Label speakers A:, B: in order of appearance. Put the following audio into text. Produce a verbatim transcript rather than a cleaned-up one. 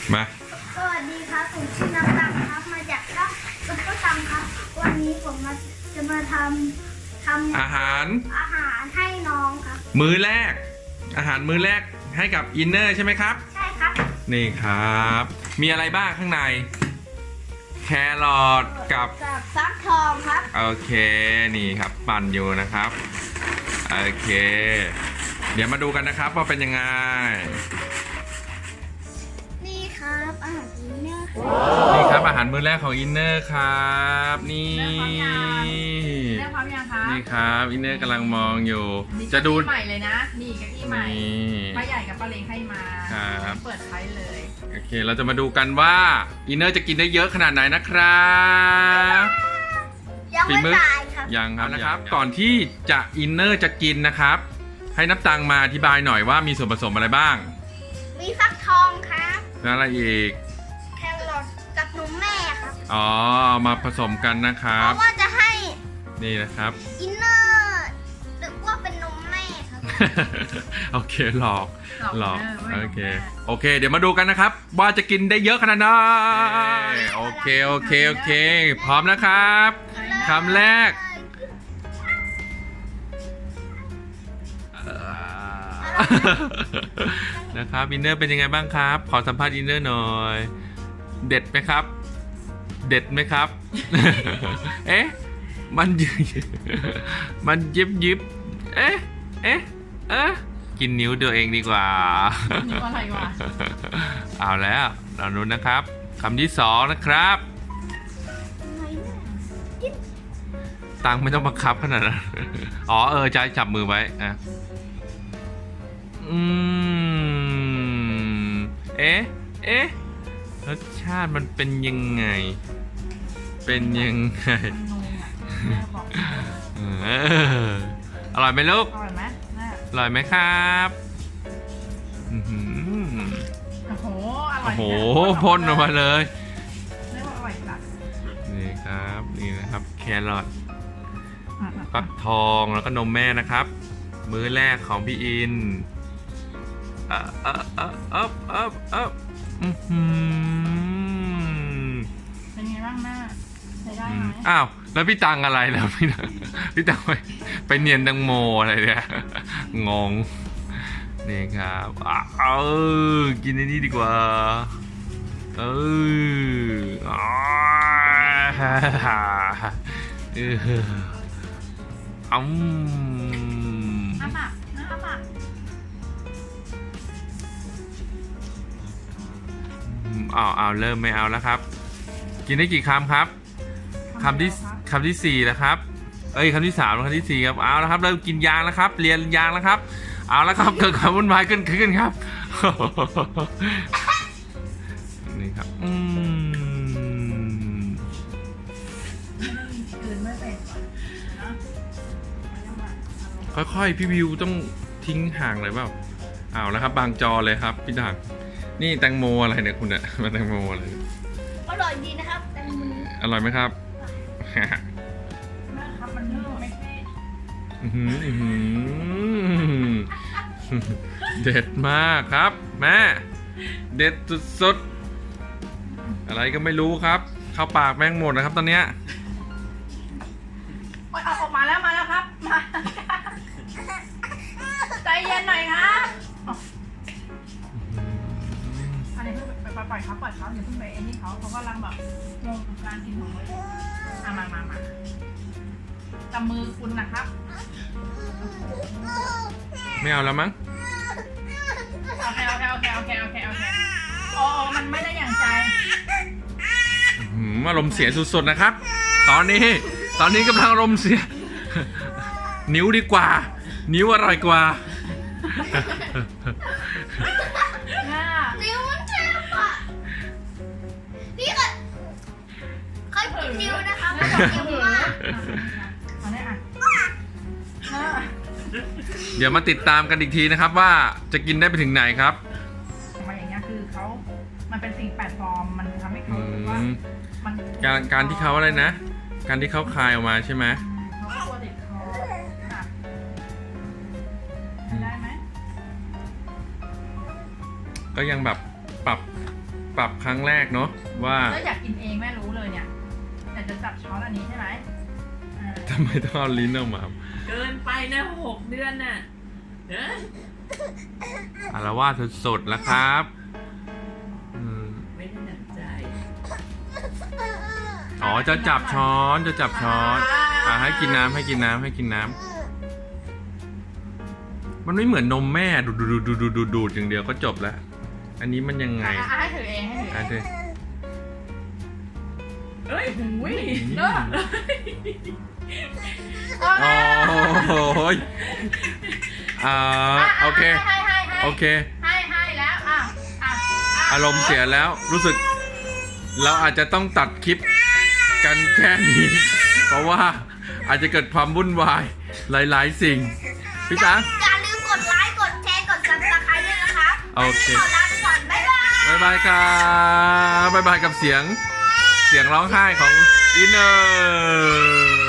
A: มา
B: สวัสดีครับผมชื่อน้ำตังครับมาจากช่องซุปเปอร์ตังครับวันนี้ผมมาจะมาทำทำ
A: อาหาร
B: อาหารให้น้องครับ
A: มื้อแรก อาหารมื้อแรกให้กับอินเนอร์ใช่ไหมครับ
B: ใช่ครับ
A: นี่ครับ มีอะไรบ้างข้างในแครอทกับ
B: กับฟักทองครับ
A: โอเคนี่ครับปั่นอยู่นะครับโอเค เดี๋ยวมาดูกันนะครับว่าเป็นยังไง
B: นี่ครับอาหารอินเนอร์
A: นี่ครับอาหารมื้อแรกของอินเนอร์ครับนี่
C: เรื่องความยังคะ
A: นี่ครับอินเนอร์กำลังมองอยู่จะดู
C: ใหม่เลยนะนี่กะทิใหม่ป้าใหญ่กับป้าเล้งให้มา
A: ครับ
C: เปิดใช้เลย
A: โอเคเราจะมาดูกันว่าอินเนอร์จะกินได้เยอะขนาดไหนนะครับ
B: ยังไม่ตายครับ
A: ยังครับนะครับก่อนที่จะอินเนอร์จะกินนะครับให้นับตังมาอธิบายหน่อยว่ามีส่วนผสมอะไรบ้าง
B: มีฟักทองครับ
A: แล้วอะไรอีก
B: แครอทกับนมแม่ครับ
A: อ๋อมาผสมกันนะครับ
B: เพราะว่าจะให้
A: นี่นะครับ
B: อินเนอร์หรือว่าเป็นนมแม่ครับ
A: โอเคหลอกหลอกโอเคโอเคเดี๋ยวมาดูกันนะครับว่าจะกินได้เยอะขนาดไหนโอเคโอเคโอเคพร้อมนะครับคำแรกนะครับอินเนอร์เป็นยังไงบ้างครับขอสัมภาษณ์อินเนอร์หน่อยเด็ดไหมครับเด็ดไหมครับเอ๊ะมันยิบมันยิบยิบเอ๊ะเอ๊ะเอ๊ะกินนิ้วตัวเองดีกว่า
C: นิ้วอะไรวะ
A: เอาแล้วเราดูนะครับคำที่สองนะครับตังไม่ต้องบังคับขนาดนั้นอ๋อเออใจจับมือไว้อ่ะอืมเอ๊ะเอ๊ะรสชาติมันเป็นยังไงเป็นยังไงเอออร่อยไหมลูก
C: อร่อยไหม
A: อร่อยไหมครับ
C: โอ้โหอร่อย
A: โอ้โหพ่นออกมาเลย
C: เรียกว่าอร่อยจัด
A: นี่ครับนี่นะครับแครอทฟักทองแล้วก็นมแม่นะครับมื้อแรกของพี่อินเอ๊ะเอ๊ะเอ๊ะเอ๊ะเอ๊ะเอ๊ะ
C: เป็นไงบ้างแม่ใช้ได้ไหม
A: อ้าวแล้วพี่ตังอะไรแล้วพี่ตังพี่ตังไปไปเนียนตังโมอะไรเนี่ยงงนี่ครับอ้าวกินในนี้ดีกว่าเอออ๋อเอออืม
C: อาปากนะอาปาก
A: อ้าวอ้าวเริ่มไม่เอาแล้วครับกินได้กี่คำครับคำที่คำที่สี่แล้วครับเอ้ยคำที่สามแล้วคำที่สี่ครับเอาแล้วครับเริ่มกินยางแล้วครับเรียนยางแล้วครับเอาแล้วครับเกิดความวุ่นวายขึ้นขึ้นครับนี่ครับอืมค่อยๆพี่วิวต้องทิ้งห่างเลยเปล่าเอาแล้วครับบางจอเลยครับพี่ด่างนี่แตงโมอะไรเนี่ยคุณเนี่ยมาแตงโมอะไร
B: อร่อยดีนะครับแตงโม
A: อร่อยไหมครับ
C: นะครับมันนุ่มไม่ใช่
A: เด็ดมากครับแม่เด็ดสุดๆอะไรก็ไม่รู้ครับเข้าปากแม่งหมดนะครับตอนเนี้ย
C: เอาออกมาแล้วมาแล้วครับมาใจเย็นหน่อยครับอันนี้เพิ่งไปปล่อยเขาปล่อยเขาอย่าเพิ่งไปไอ้นี่เขาเขากำลังแบบงงกับการกินของเลยมามามามาจับมือคุณนะครับ
A: ไม่เอาแล้วมั้ง
C: โอเคโอเคโอเคโอเคโอเคโอเคโอ้มันไม่ได้อย่างใจ
A: อารมณ์เสียสุดๆนะครับตอนนี้ตอนนี้กำลังอารมณ์เสียนิ้วดีกว่านิ้วอร่อยกว่า
B: นิ้วมันเจ็บอ่ะพี่ก็เคยกินนิ้วนะคะมันเจ็บมาก
A: เดี๋ยวมาติดตามกันอีกทีนะครับว่าจะกินได้ไปถึงไหนครับ
C: มาอย่างเงี้ยคือเขามันเป็นสิ่งแปลกปลอมมันทำให้เขารู้ว่ามัน
A: การการที่เขาอะไรนะการที่เขาคายออกมาใช่ไหม
C: เขากลัวติดคอค่ะได้ไหม
A: ก็ยังแบบปรับปรับครั้งแรกเนาะว่า
C: แล้วอยากกินเองแม่รู้เลยเนี่ยแต่จะจับช้อนอันนี้ใช่ไหมอ่า
A: ทำไมต้องเอาลิ้นออกมา
D: เกินไปนะหกเดือนน่ะเนอะ
A: อารวาสสุดๆแล้วครับอืม
D: ไม่ได้หนักใจ
A: อ๋อจะจับช้อนจะจับช้อนอ่ะให้กินน้ำให้กินน้ำให้กินน้ำมันไม่เหมือนนมแม่ดูดดูดดูดดูดดูดดูดอย่างเดียวก็จบแล้ว อันนี้มันยังไง
C: อ่ะอ่ะให้ถือเองให้ถือเอ
A: อ่ะ
C: ง
A: ดู
D: เอ้ยหูย
C: เลิก
A: โอ้โหอ่าโอเค
C: ให้ให้ให้
A: โอเค
C: ให้ให้แล้วอ่ะอ่ะะ
A: อารมณ์เสียแล้วรู้สึก เราอาจจะต้องตัดคลิปกันแค่นี้ เพราะว่าอาจจะเกิดความวุ่นวายหลายๆสิ่ง พี่ตัง
B: อย่าลืมกดไลค์ กดแชร์ กด ซับสไครบ์ ด้วยนะครับ
A: โอเค
B: ขอลาไปก่อน บ๊ายบาย
A: บายบายครับบายบายกับเสียง เสียงร้องไห้ของอินเนอร์